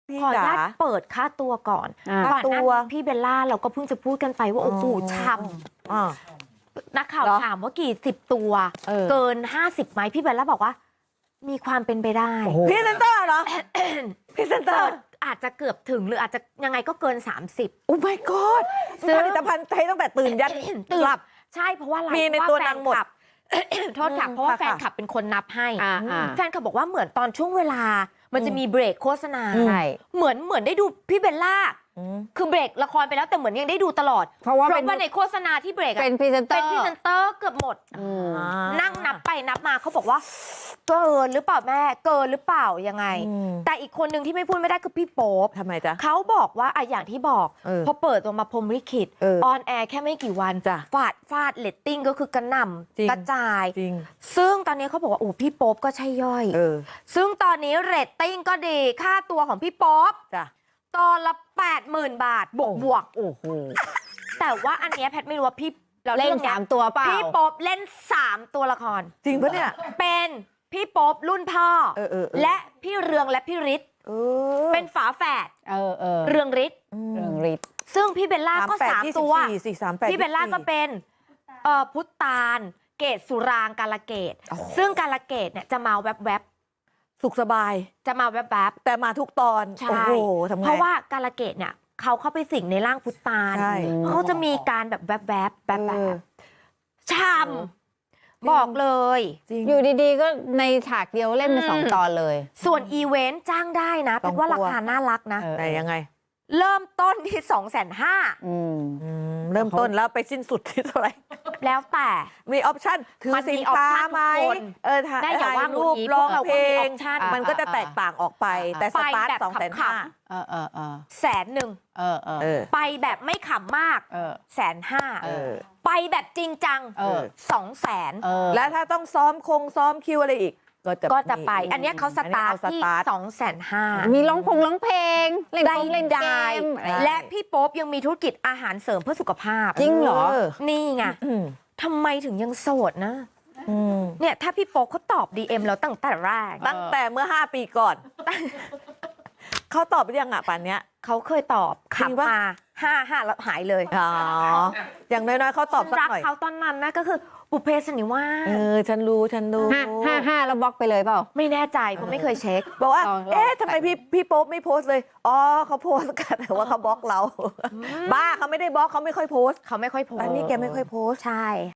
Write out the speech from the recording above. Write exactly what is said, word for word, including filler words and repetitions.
พี่ขออนุจ๋าญาตเปิดค่าตัวก่อนอ่าก่อนหน้าค่าตัวนี้พี่เบลล่าเราก็เพิ่งจะพูดกันไปว่าโอ้โหอ๋อช่อ่าำนักข่าวเหรอถามว่ากี่สิบตัวเออเกินห้าสิบไหมพี่เบลล่าบอกว่า มีความเป็นไปได้โอ้โหพรีเซนเตอร์เหรอ พรีเซนเตอเกิร์นอาจจะเกือบถึงหรืออาจจะยังไงก็เกิน สามสิบโอ้ my god ซึ่งผลิตภัณฑ์ใช้ตั้งแต่ตื่นยันตื่นหลับใช่เพราะว่าอะไรมีในเพราะตัวแฟนางหมดคลับ โทษค่ะอืมเพราะว่าค่ะแฟนคลับเป็นคนนับให้อ่าอ่าแฟนคลับบอกว่าเหมือนตอนช่วงเวลา มันจะมีเบรกโฆษณาใช่เหมือนเหมือนได้ดูพี่เบลล่าอืมคือเบรกละครไปแล้วแต่เหมือนยังได้ดูตลอดเพราะว่าเพเป็นราะว่าในโฆษณาที่เบรกอะเป็นพรีเซนเตอเป็นร์พรีเซนเตอร์เกือบหมดอืมอ่านั่งนับไปนับมาเขาบอกว่า เกินหรือเปล่าแม่เกินหรือเปล่ายังไงอืมแต่อีกคนหนึ่งที่ไม่พูดไม่ได้คือพี่โป๊ปทำไมจ๊ะเขาบอกว่าอะอย่างที่บอกเออพอเปิดตัวมาพรหมลิขิตเออออนแอร์แค่ไม่กี่วันจ้ะฟาดฟาดเลตติ้งก็คือกระหน่จริงำกระจายจริงซึ่งตอนนี้เขาบอกว่าโอ้พี่โป๊ปก็ใช่ย่อยเออซึ่งตอนนี้เรตติ้งก็ดีค่าตัวของพี่โป๊ปจ้ะตอนละแปดหมื่นบาทบวกบวกโอ้โหๆแต่ว่าอันเนี้ยแพทย์ไม่รู้ว่าพี่เราเล่นรื่องยสามตัวเปล่าพี่โป๊ปเล่นสามตัวละครจริงปะเนี่ยเป็นพี่โป๊ปรุ่นพ่อเออเออเออและพี่เรืองและพี่ฤทธิ์เออเป็นฝาแฝดเออเออเรืองฤทธิ์เรื่องฤทธิ์ซึ่งพี่เบลล่าก็แปดสามยี่บตัวสี่สี่สามแปดพี่เบลล่าก็ยี่สิบสี่เป็นเอ่อพุทธาน เกตสุรางกาลเกตโอ้โหซึ่งกาลเกตเนี่ยจะมาแวบสุขสบายๆจะมาแวบแต่มาทุกตอนๆใช่โอ้โหทำเพไงราะว่ากาลเกตเนี่ยเขาเข้าไปสิงในร่างพุทธานใช่เขาจะมีการแบบแวบๆแบบแบเออบช่ำบอกเลยจริงอยู่ดีๆ ก็ในฉากเดียวเล่นเป็นสองอืมตอนเลยส่วนอีเวนต์จ้างได้นะสเป็องนว่าตัวราคาน่ารักนะเออแต่ยังไงเริ่มต้นที่สองแสนห้าอืมอืมเริ่มต้นแล้วไปสิ้นสุดที่เท่าไหร่แล้วแต่มีออปชั่นถือมันมีสินค้า option ไหมทุกคนเออถ่ายได้อย่าว่ารูปหงุดหงิดร้องพวกเราเพลก็มีง option มันก็จะแตกต่างออกไปอ่าแต่สตาร์ทไปแบบสองแสนขำห้าๆเออเออเออแสนหนึ่งเออเออเออไปแบบไม่ขำมากเออแสนห้าเออไปแบบจริงจังเออสองแสนเออแล้วถ้าต้องซ้อมคงซ้อมคิวอะไรอีก ก็จะก็จะไปมีอันเนี้ยเขาสตาร์ทอันนี้เอาที่สตาร์ทสองแสนห้ามีร้องพงร้องเพลง เล่นได้กงเล่นเกได้มอะไรและพี่โป๊ปยังมีธุรกิจอาหารเสริมเพื่อสุขภาพจริงเหรอนี่ไงอืมทำไมถึงยังโสดนะอืมเนี่ยถ้าพี่โป๊ปเขาตอบ ดี เอ็ม แล้วตั้งแต่แรกตั้งแต่เมื่อห้าปีก่อน เขาตอบไปยังอ่ะป่านเนี้ยเขาเคยตอบจริงปะขำมาห้าห้าแล้วหายเลยอ๋อ อย่างน้อยๆเขาตอบสักรักหน่อยเขาตอนนั้นนะก็คือบุพเพสันนิวาสเออ ฉันรู้ ฉันรู้ห้าห้าห้าแล้วบล็อกไปเลยเปล่าไม่แน่ใจเพราะไม่เคยเช็คบอกว่าลองลองเอ๊ะทำไมพี่พี่โป๊ปไม่โพสต์เลย อ๋อเขาโพสต์กันแต่ว่าเขาบล็อกเรา บ้าเขาไม่ได้บล็อกเขาไม่ค่อยโพสต์เขาไม่ค่อยโพสต์อันนี้แกไม่ค่อยโพสต์ใช่